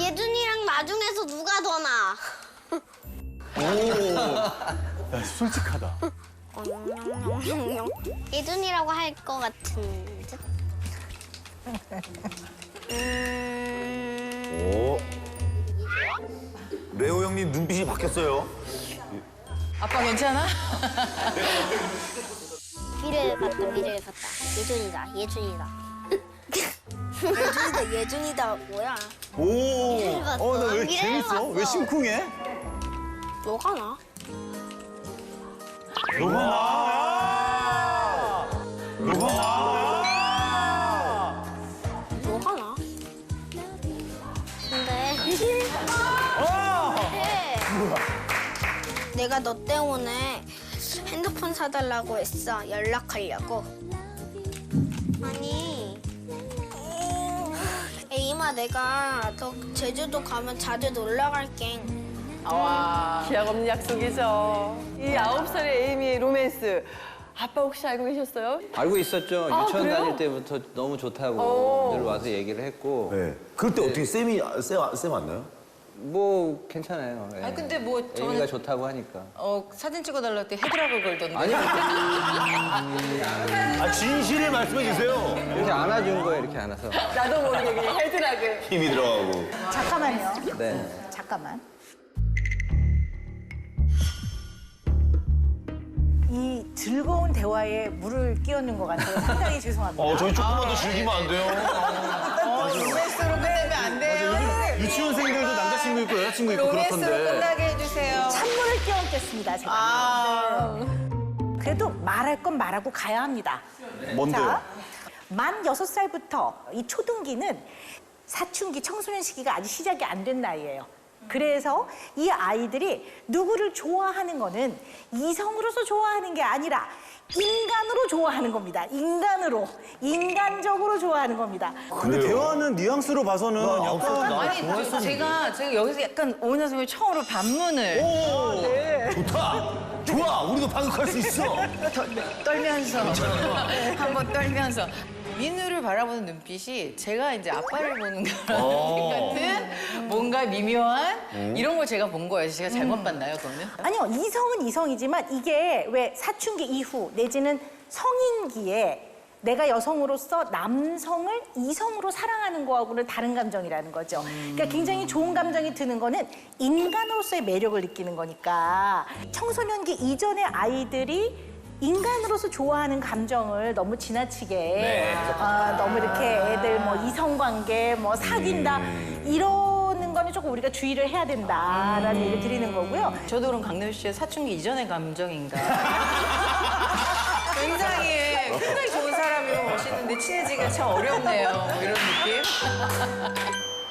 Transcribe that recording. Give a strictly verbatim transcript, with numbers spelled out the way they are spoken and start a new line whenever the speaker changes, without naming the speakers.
예준이랑 나중에서 누가 더 나?
오, 야, 솔직하다.
예준이라고 할 것 같은 듯. 음...
오. 레오 형님 눈빛이 바뀌었어요.
아빠 괜찮아?
미래를 봤다, 미래를 봤다. 예준이다, 예준이다. 예준이다, 예준이다, 뭐야?
오, 어, 나 왜
미래를
재밌어? 왜
봤어.
심쿵해?
너가 나?
너가 나. 너가 나.
너가 나? 근데
어!
네. 내가 너 때문에 핸드폰 사달라고 했어. 연락하려고. 아니 에이마, 내가 너 제주도 가면 자주 놀러 갈게.
와, 기약 없는 약속이죠. 이 아홉 살의 에이미의 로맨스. 아빠 혹시 알고 계셨어요?
알고 있었죠.
아,
유치원
그래요?
다닐 때부터 너무 좋다고
오.
늘 와서 얘기를 했고
네. 그럴 때 어떻게 쌤이 쌤, 쌤 왔나요?
뭐 괜찮아요. 예.
아니, 근데 뭐 저는-
애미가 좋다고 하니까.
어, 사진 찍어달라고 할 때 헤드락을 걸던데.
아니
아 진실을 말씀해 주세요.
이렇게 안아준 거예요. 이렇게 안아서.
나도 모르게 그냥 헤드락을.
힘이 들어가고.
잠깐만요.
네.
잠깐만. 이 즐거운 대화에 물을 끼얹는 것 같아요. 상당히 죄송합니다.
어 저희 조금만 더 즐기면 안 돼요?
로맨스로 끝내면 안 돼요.
유치원생들도 남자친구 있고 여자친구 있고
로맨스로
그렇던데.
끝나게 해주세요.
찬물을 끼얹겠습니다, 제가.
아.
그래도 말할 건 말하고 가야 합니다.
뭔데요?
자, 만 여섯 살부터 이 초등기는 사춘기, 청소년 시기가 아직 시작이 안 된 나이예요. 그래서 이 아이들이 누구를 좋아하는 거는 이성으로서 좋아하는 게 아니라 인간으로 좋아하는 겁니다. 인간으로, 인간적으로 좋아하는 겁니다.
근데 대화는 뉘앙스로 봐서는
아홉 살
약간
나
아니, 저- 제가, 제가 여기서 약간 오은하 선생님 처음으로 반문을
오 좋다. 좋아. 우리도 파극할 수 있어.
떨- 떨면서 한번 떨면서 민우를 바라보는 눈빛이 제가 이제 아빠를 보는 거랑 같은 뭔가 미묘한 이런 걸 제가 본 거예요. 제가 잘못 봤나요, 그거는?
아니요, 이성은 이성이지만 이게 왜 사춘기 이후 내지는 성인기에 내가 여성으로서 남성을 이성으로 사랑하는 거하고는 다른 감정이라는 거죠. 그러니까 굉장히 좋은 감정이 드는 거는 인간으로서의 매력을 느끼는 거니까 청소년기 이전의 아이들이 인간으로서 좋아하는 감정을 너무 지나치게 아, 너무 이렇게 애들 뭐 이성관계 뭐 사귄다 이러는 거는 조금 우리가 주의를 해야 된다라는 얘기를 드리는 거고요.
저도 그럼 강남 씨의 사춘기 이전의 감정인가? 굉장히 굉장히 좋은 사람이고 멋있는데 친해지기가 참 어렵네요. 뭐 이런 느낌?